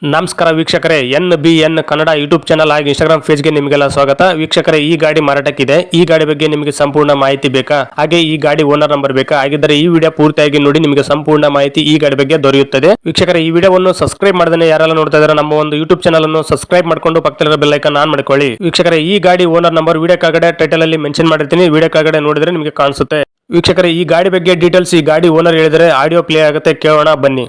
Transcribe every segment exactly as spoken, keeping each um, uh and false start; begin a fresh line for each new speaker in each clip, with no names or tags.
ನಮಸ್ಕಾರ ವೀಕ್ಷಕರೇ, N B N Kannada YouTube channel ಹಾಗೆ ಇನ್ಸ್ಟಾಗ್ರಾಮ್ ಪೇಜ್ಗೆ ನಿಮಗೆಲ್ಲ ಸ್ವಾಗತ. ವೀಕ್ಷಕರೇ, ಈ ಗಾಡಿ ಮಾರಾಟಕ್ಕಿದೆ. ಈ ಗಾಡಿ ಬಗ್ಗೆ ನಿಮಗೆ ಸಂಪೂರ್ಣ ಮಾಹಿತಿ ಬೇಕಾ, ಹಾಗೆ ಈ ಗಾಡಿ ಓನರ್ ನಂಬರ್ ಬೇಕಾ? ಹಾಗಿದ್ದರೆ ಈ ವಿಡಿಯೋ ಪೂರ್ತಿಯಾಗಿ ನೋಡಿ, ನಿಮಗೆ ಸಂಪೂರ್ಣ ಮಾಹಿತಿ ಈ ಗಾಡಿ ಬಗ್ಗೆ ದೊರೆಯುತ್ತದೆ. ವೀಕ್ಷಕರೇ, ಈ ವಿಡಿಯೋವನ್ನು ಸಬ್ಸ್ಕ್ರೈಬ್ ಮಾಡದೇ ಯಾರೆಲ್ಲ ನೋಡ್ತಾ ಇದ್ದಾರೆ ನಮ್ಮ ಒಂದು ಯೂಟ್ಯೂಬ್ ಚಾನಲ್ ಅನ್ನು ಸಬ್ಸ್ಕ್ರೈಬ್ ಮಾಡ್ಕೊಂಡು ಪಕ್ಕದಲ್ಲಿರೋ ಬೆಲ್ ಐಕಾನ್ ಆನ್ ಮಾಡ್ಕೊಳ್ಳಿ. ವೀಕ್ಷಕರೇ, ಈ ಗಾಡಿ ಓನರ್ ನಂಬರ್ ವಿಡಿಯೋ ಕೆಳಗಡೆ ಟೈಟಲ್ ಅಲ್ಲಿ ಮೆನ್ಷನ್ ಮಾಡಿರ್ತೀನಿ, ವಿಡಿಯೋ ಕೆಳಗಡೆ ನೋಡಿದ್ರೆ ನಿಮಗೆ ಕಾಣಿಸುತ್ತೆ. ವೀಕ್ಷಕರೇ, ಈ ಗಾಡಿ ಬಗ್ಗೆ ಡೀಟೇಲ್ಸ್ ಈ ಗಾಡಿ ಓನರ್ ಹೇಳಿದರೆ ಆಡಿಯೋ ಪ್ಲೇ ಆಗುತ್ತೆ, ಕೇಳೋಣ ಬನ್ನಿ.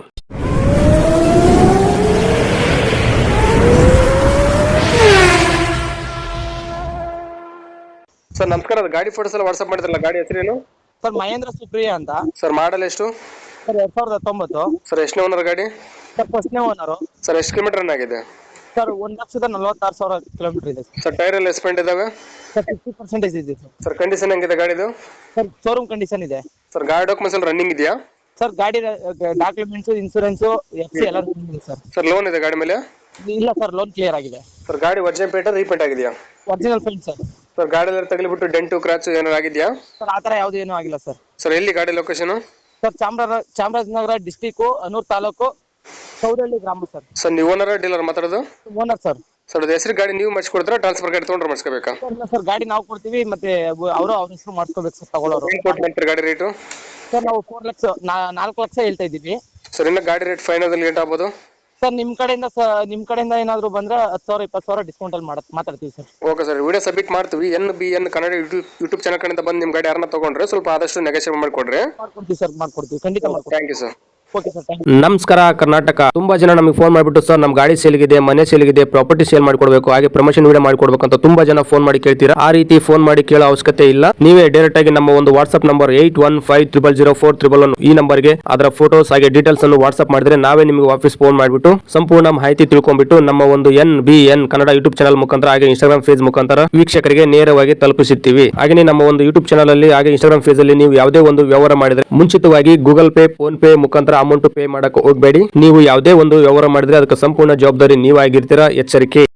ಸರ್ ನಮಸ್ಕಾರ, ಗಾಡಿ ಫೋಟೋಸ್ ಎಲ್ಲ ವಾಟ್ಸ್ಆಪ್ ಮಾಡಿದ್ರಲ್ಲ, ಗಾಡಿ ಹೆಸರೇನು?
ಸರ್ ಮಹೇಂದ್ರ ಸುಪ್ರಿಯ ಅಂತ.
ಸರ್ ಮಾಡಲ್ ಎಷ್ಟು?
ಸರ್ ಎರಡ್ ಸಾವಿರದ ಹತ್ತೊಂಬತ್ತು.
ಸರ್ ಎಷ್ಟನೇ ಓನರ್ ಗಾಡಿ?
ಸರ್ ಫಸ್ಟ್ನೇ ಓನರು.
ಸರ್ ಎಷ್ಟು ಕಿಲೋಮೀಟರ್ ರನ್ ಆಗಿದೆ?
ಸರ್ ಒಂದ್ ಲಕ್ಷದ ನಲವತ್ತಾರು ಸಾವಿರ ಕಿಲೋಮೀಟರ್ ಇದೆ
ಸರ್. ಟೈರ್ ಎಲ್ಲ ಎಸ್ಪೆಂಟ್ ಇದಾವೆ?
ಸರ್ ಫಿಫ್ಟಿ ಪರ್ಸೆಂಟೇಜ್ ಇದೆ ಸರ್.
ಸರ್ ಕಂಡೀಷನ್ ಹೆಂಗಿದೆ ಗಾಡಿದು?
ಸರ್ ಶೋರೂಮ್ ಕಂಡೀಷನ್ ಇದೆ
ಸರ್. ಗಾಡಿ ಡಾಕ್ಯುಮೆಂಟ್ಸ್ ಎಲ್ಲ ರನ್ನಿಂಗ್ ಇದೆಯಾ?
ಸರ್ ಗಾಡಿ ಡಾಕ್ಯುಮೆಂಟ್ಸ್, ಇನ್ಸೂರೆನ್ಸ್, ಎಫ್ ಸಿ ಎಲ್ಲ ಇದೆ ಸರ್.
ಸರ್ ಲೋನ್ ಇದೆ ಗಾಡಿ ಮೇಲೆ?
ಇಲ್ಲ ಸರ್, ಲೋನ್ ಕ್ಲಿಯರ್ ಆಗಿದೆ.
ಸರ್ ಗಾಡಿ ಒರಿಜಿನಲ್ ಪೇಂಟ್ ರೀಪೇಂಟ್ ಆಗಿದೆಯಾ?
Original paint sir.
ಸರ್ ಗಾಡಿ ಎಲ್ಲ ತಗಲಿಬಿಟ್ಟು ಡೆಂಟು ಕ್ರಾಚ್ ಏನಾರು ಆಗಿದೆಯಾ?
ಸರ್ ಆ ಥರ ಯಾವುದು ಏನೂ ಆಗಿಲ್ಲ ಸರ್.
ಸರ್ ಎಲ್ಲಿ ಗಾಡಿ location?
Sir Chamaraja Chamarajanagar district, Anur taluk, Saudalli ಗ್ರಾಮ ಸರ್.
ಸರ್ ನೀವು ಓನರ್ ಡೀಲರ್ ಮಾತಾಡೋದು?
Owner sir.
ಸರ್ ಅದು ಹೆಸರು ಗಾಡಿ ನೀವು ಮಾಡಿಸ್ಕೊಡ್ತೀರಾ, ಟ್ರಾನ್ಸ್ಫರ್ ಗಾಡಿ ತೊಗೊಂಡ್ರೆ ಮಾಡಿಸ್ಕೋಬೇಕಾ?
ಇಲ್ಲ ಸರ್, ಗಾಡಿ ನಾವು ಕೊಡ್ತೀವಿ, ಮತ್ತೆ ಅವರು ಅವ್ರ ಹೆಸರು ಮಾಡ್ಕೋಬೇಕು ಸರ್ ತಗೊಳ್ಳೋರು.
ಏನು ಕೊಟ್ಟು ಮಾಡ್ತೀರಿ ಗಾಡಿ ರೇಟು?
ಸರ್ ನಾವು ಫೋರ್ ಲಕ್ಷ ನಾಲ್ಕು ಲಕ್ಷ ಹೇಳ್ತಾ ಇದ್ದೀವಿ
ಸರ್. ಇನ್ನು ಗಾಡಿ ರೇಟ್ ಫೈನಲ್ ಲೇಟ್ ಆಗ್ಬೋದು
ಸರ್. ನಿಮ್ ಕಡೆಯಿಂದ ನಿಮ್ ಕಡೆಯಿಂದ ಏನಾದ್ರು ಬಂದ್ರೆ ಹತ್ತು ಸಾವಿರ ಇಪ್ಪತ್ತು ಸಾವಿರ ಡಿಸ್ಕೌಂಟ್ ಅಲ್ಲಿ ಮಾತಾಡ್ತೀವಿ sir.
Okay sir, video submit ಮಾಡ್ತೀವಿ. N B N Kannada YouTube YouTube channel ಕಡೆಯಿಂದ ಬಂದು ನಿಮ್ಮ ಗಾಡಿ ಯಾರನ್ನ ತಗೊಂಡ್ರೆ ಸ್ವಲ್ಪ ಆದಷ್ಟು ನೆಗೋಷಿಯೇಟ್ ಮಾಡಿಕೊಡ್ರಿ.
ಮಾಡ್ಕೊಡ್ತೀವಿ ಸರ್, ಮಾಡ್ಕೊಡ್ತೀವಿ, ಖಂಡಿತ ಮಾಡ್ಕೊಡ್ತೀವಿ.
Thank you sir.
Okay sir, thank you.
ನಮಸ್ಕಾರ ಕರ್ನಾಟಕ. ತುಂಬಾ ಜನ ನಮಗೆ ಫೋನ್ ಮಾಡಿಬಿಟ್ಟು ಸರ್ ನಮ್ಮ ಗಾಡಿ ಸೇಲ್ಗಿದೆ, ಮನೆ ಸೇಲ್ಗಿದೆ, ಪ್ರಾಪರ್ಟಿ ಸೇಲ್ ಮಾಡ್ಕೊಡ್ಬೇಕು, ಹಾಗೆ ಪ್ರಮೋಷನ್ ವಿಡಿಯೋ ಮಾಡ್ಕೊಡ್ಬೇಕು ಅಂತ ತುಂಬಾ ಜನ ಫೋನ್ ಮಾಡಿ ಕೇಳ್ತೀರಾ. ಆ ರೀತಿ ಫೋನ್ ಮಾಡಿ ಕೇಳೋ ಅವಶ್ಯಕತೆ ಇಲ್ಲ. ನೀವೇ ಡೈರೆಕ್ಟ್ ಆಗಿ ನಮ್ಮ ಒಂದು WhatsApp number eight one five triple zero four triple one ಈ ನಂಬರ್ಗೆ ಅದರ ಫೋಟೋಸ್ ಹಾಗೆ ಡೀಟೇಲ್ಸ್ ಅನ್ನು ವಾಟ್ಸ್ಆಪ್ ಮಾಡಿದ್ರೆ ನಾವೇ ನಿಮಗೆ ವಾಪಸ್ ಫೋನ್ ಮಾಡಿಬಿಟ್ಟು ಸಂಪೂರ್ಣ ಮಾಹಿತಿ ತಿಳ್ಕೊಂಡ್ಬಿಟ್ಟು ನಮ್ಮ ಒಂದು N B N Kannada YouTube channel ಮುಖಾಂತರ ಹಾಗೆ ಇನ್ಸ್ಟಾಗ್ರಾಮ್ ಪೇಜ್ ಮುಖಾಂತರ ವೀಕ್ಷಕರಿಗೆ ನೇರವಾಗಿ ತಲುಪಿಸುತ್ತೀವಿ. ಹಾಗೆ ನಮ್ಮ ಒಂದು ಯೂಟ್ಯೂಬ್ ಚಾನಲ್ ಅಲ್ಲಿ ಹಾಗೆ ಇನ್ಸ್ಟಾಗ್ರಾಮ್ ಪೇಜ್ ಅಲ್ಲಿ ನೀವು ಯಾವುದೇ ಒಂದು ವ್ಯವಹಾರ ಮಾಡಿದ್ರೆ ಮುಂಚಿತವಾಗಿ ಗೂಗಲ್ ಪೇ, ಫೋನ್ ಪೇ ಮುಖಾಂತರ ಅಮೌಂಟ್ ಪೇ ಮಾಡಕ್ಕೆ ಹೋಗಬೇಡಿ. ನೀವು ಯಾವುದೇ ಒಂದು ವ್ಯವಹಾರ ಮಾಡಿದ್ರೆ ಅದಕ್ಕೆ ಸಂಪೂರ್ಣ ಜವಾಬ್ದಾರಿ ನೀವಾಗಿರ್ತೀರಾ, ಎಚ್ಚರಿಕೆ.